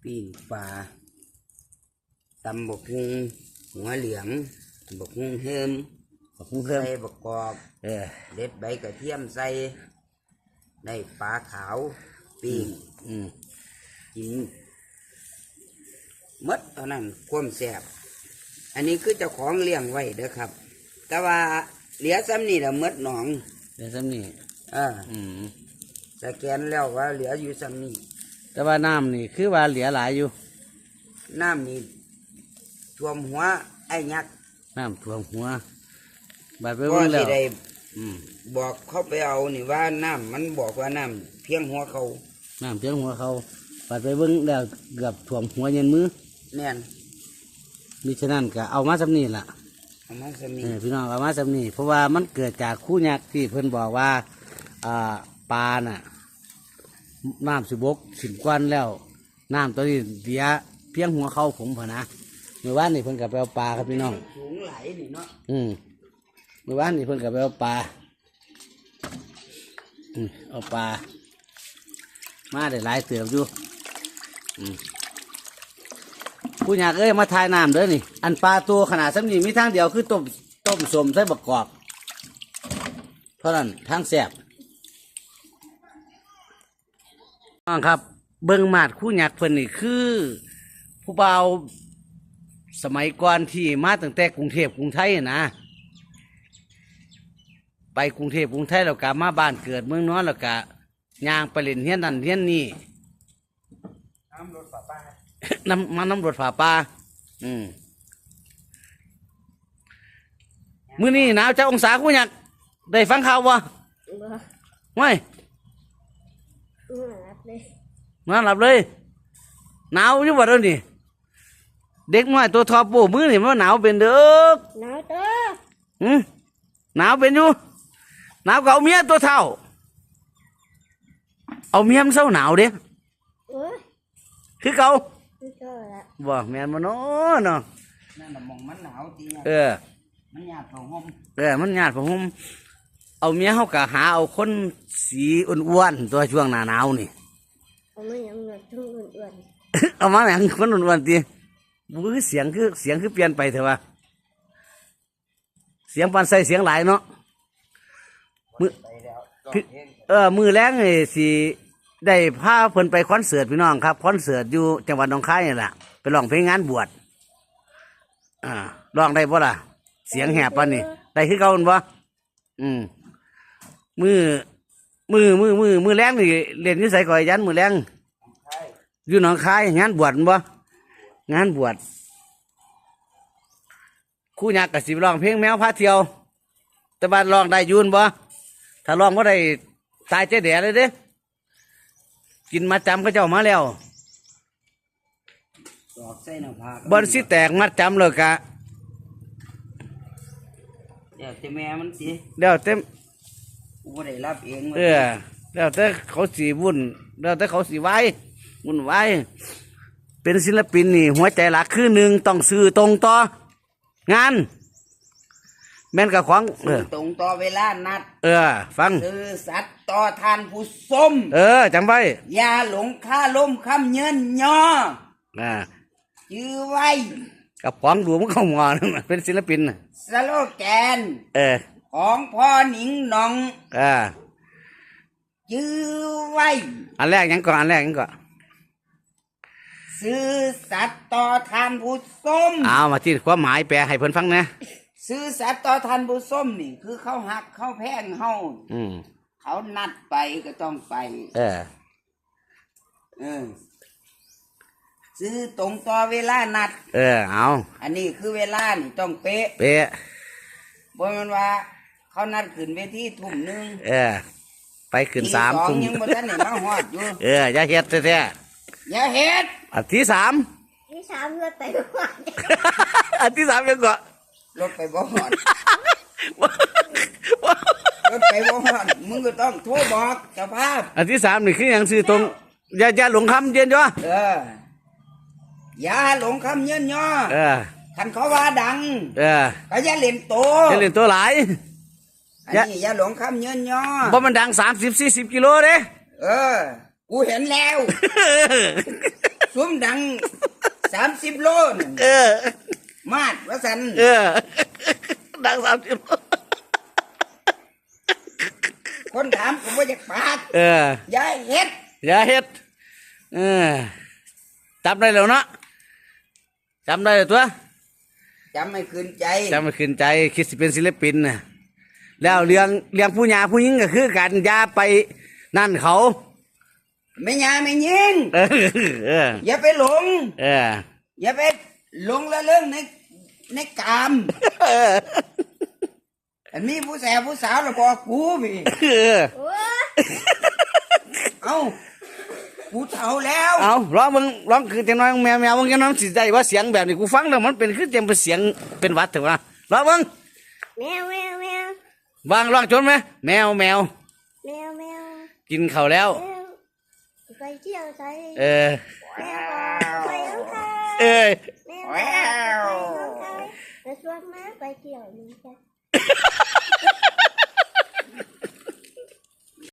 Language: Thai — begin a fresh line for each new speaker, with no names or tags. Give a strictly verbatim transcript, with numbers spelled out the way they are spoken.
ปิ้งปลาตำบกฮุงหัวเหลืองบกฮุงเฮิมบกฮุงเฮิมใส่บกกอบเออเด็ดใบกระเทียมใส่ได้ปลาขาวปิ้งอืมกินมดเท่านั้นความแซ่บอันนี้คือเจ้าของเลี้ยงไว้เด้อครับแต่ว่าเหลือซ้ำนี่แหละมดหนอง
เหลือซ้ำนี่
อ่าอืมสแกนแล้วว่าเหลืออยู่ซ้ำนี่
แต่ว่าน้ำนี่คือว่าเหลือหลายอยู่
น้ำนี่ท่วมหัวไอ้ยักษ์
น้ำท่วมหัวบาดไปเบิ่งแล้ว
บอกเขาไปเอานี่ว่าน้ำมันบอกว่าน้ำเพียงหัวเขา
น้ำเพียงหัวเขาบาดไปเบิ่งแล้วเกือบท่วมหัวเย็นมือ
แน่น
มิฉะนั้นก็เอามาสำนีล่ะ
เอามาสำนี
พี่น้องเอามาสำนีเพราะว่ามันเกิดจากคู่ยักษ์ที่เพิ่นบอกว่าอ่าปลาน่ะน้ำสิบกสิบกวนแล้วน้ำตัวนี้เดียเพียงหัวเขาผมพอนะเมื่อวานนี่เพิ่นกับไปเอาปลาครับพี่น้อง
สูงไหลนี่เนาะ
อืมเมื่อวานนี่เพิ่นกับไปเอาปลาอืมเอาปลามาได้หลายเติบอยู่อืมผู้อยากเอ้ยมาทายน้ำเด้อนี่อันปลาตัวขนาดสักนี้มีทางเดียวคือต้มต้มสมใส่บักกอกเพราะนั้นทางแสบน้องครับเบิ้งมาดคู่หยักเพิ่นนี่คือผู้บ่าวสมัยก่อนที่มาตั้งแต่กรุงเทพกรุงไทยนะไปกรุงเทพกรุงไทยแล้วก็มาบ้านเกิดเมืองนอนแล้วก็ย่างไปเล่นเฮียนนั่นเฮียนนี่
น้ำรถฝาป้า
น้ำมันน้ำรถฝาปลาอืมมื้อนี้หนาวเจ้าองศาคู่หยักได้ฟังข่าววะไม่นอนหลับเลยหนาวอยู่บ่เดี๋ยวนี้เด็กน้อยตัวทอปูมือนี่มันหนาวเป็นเด้อ
หนาวเด้อ
หืมหนาวเป็นอยู่หนาวก็เอาเมียตัวเท่าเอาเมียมันเศร้าหนาวเด้คือเก่าบ่แม่นบ่เนาะเนาะ
นั่นน่ะมองมันหนาวจริง
เออ
มันหยาดผ้าห่ม
เออมันหยาดผ้าห่มเอาเมียเฮาก็หาเอาคนสีอ้วนๆตัวช่วงหน้าหนาวนี่
เอามาหยังเงินทุกอ้วน
ๆเอามาหยังคนอ้วนๆติบู๊เสียงคือเสียงคือเปลี่ยนไปเถอะวะเสียงปานใส่เสียงหลายเนาะมือเออมือแรงไอ้สิได้พาเพิ่นไปคอนเสิร์ตพี่น้องครับคอนเสิร์ตอยู่จังหวัดหนองคายนี่แหละไปร้องเพลงงานบวชอ่าร้องได้บ่ล่ะเสียงแหบปานนี่ได้คือเก่าบ่อืมมือมือมือมือมือแรงนี่เล่นอยู่ไสก่อยยันมือแรงอยู่หนองคายงานบวชบ่งานบวชคู่ยักษ์กับสิร้องเพลงแมวพาเที่ยวแต่บ้านร้องได้ยืนบ่ถ้าร้องก็ได้ตายเจ๊แดดเลยเด้กินมาจำก็เจ้ามาแล้วบอลสิแตกมัดจำเลยกะ
เดี๋ยวแต่แม่มันสิ
เดี๋ยวเต็ม
กูไม่ได้รับเอง
เออเดี๋ยวแต่เขาสีวุ่นเดี๋ยวแต่เขาสีไว้วุ่นไว้เป็นศิลปินนี่หัวใจหลักคือหนึ่งต้องซื้อตรงต่องานแม่นกับของ
ซื้อตรงต่อเวลานัด
เออฟัง
ซื้อสัตว์ต่อทานผู้ส้ม
เออจำไว้
อย่าหลงค่าล้มคำเยินย่อ
อ่า
ยื้อไว้
กับของดูมันเข้ามอนั่นเป็นศิลปิน
สโลแกน
เออ
ของพ่อหนิงหนอง
อ่า
ยื้อไว้
อันแรกยังก่อนอันแรกยังก่อน
ซื้อสัตว์ต่อทานผู้ส้ม
เอามาที่ความหมายแปลให้เพิ่นฟังนะ
ซื้อสัตว์ต่อทานผู้ส้มนี่คือเขาหักเขาแพงเฮา
อืม
เขานัดไปก็ต้องไป
เออ
เออซื้อตรงต่อเวลานัด
เออเอา
อันนี้คือเวลานี่ต้องเป๊ะ
เป๊ะ
บ่แม่นว่าเขานัดขึ้นเวทีทุ่มหนึ่ง
เออไปขึ้นสาม
ทุ่มยังบ่ทันได้มาฮอดอยู่
เอออย่าเฮ็ดแท้
ๆอย่าเฮ็ด
อันที่สาม
ที่สามรถไปบ่ฮอด
อันที่สามยังก่อน
รถไปบ่ฮอดรถไปบ่ฮอดมึงก็ต้องโทรบอกเจ้าภาพ
อันที่สามนี่คือหยังซื้อตรงอย่าอย่าหลงคำเย็นจ้ะ
เอออย่าหลงคำเยินย่อ
เออ
คันเขาว่าดัง
เออ
ก็อย่าเล่นโต
อย่าเล่นตัวหลาย
อันนี้อย่าหลงคำเยินย่อ
บ่มันดังสามสิบสี่สิบกิโลเด้
เออกูเห็นแล้วซุ้มดังสามสิบโลนั่น
เออ
มาดว่าสัน
เออ ดังสามสิบ
คนถามผมว่าจะปาก
เออ
ยายเฮ็ด
อย่าเฮ็ดเออจำได้แล้วเนาะจำได้แล้วตัว
จำไม่คืนใจ
จำไม่ขึ้นใจคิดสิเป็นศิลปินนะแล้วเลี้ยงเลี้ยงผู้หญิงผู้หญิงก็คือกันอย่าไปนั่นเขา
ไม่ยาไม่ยิง
เออเออ
อย่าไปหลง
เออ
อย่าไปหลงละเรื่องในในกาม
เออ
อันนี้ผู้แสบผู้สาวเราบอกกูพี่
เออ
โอ้ย
เอ้ากูเฒ่าแล้ว
เอาร้องมึงร้องคือจังน้อยแมวแมวมึงจังน้อยสิได้ว่าเสียงแบบนี้กูฟังแล้วมันเป็นคือจังเป็นเสียงเป็นหวัดเถอะวะร้องมึง
แมวแมวแมว
วางร้องจนไหมแมวแมว
แมวแมว
กินข้าวแล้ว
แมวไปเที่ยวใจ
เออ
แมวไปน้องคาย
เอ้ย
แมวไปน้องคายแล้วชวนแม่ไปเที่ยวนี่จ้ะ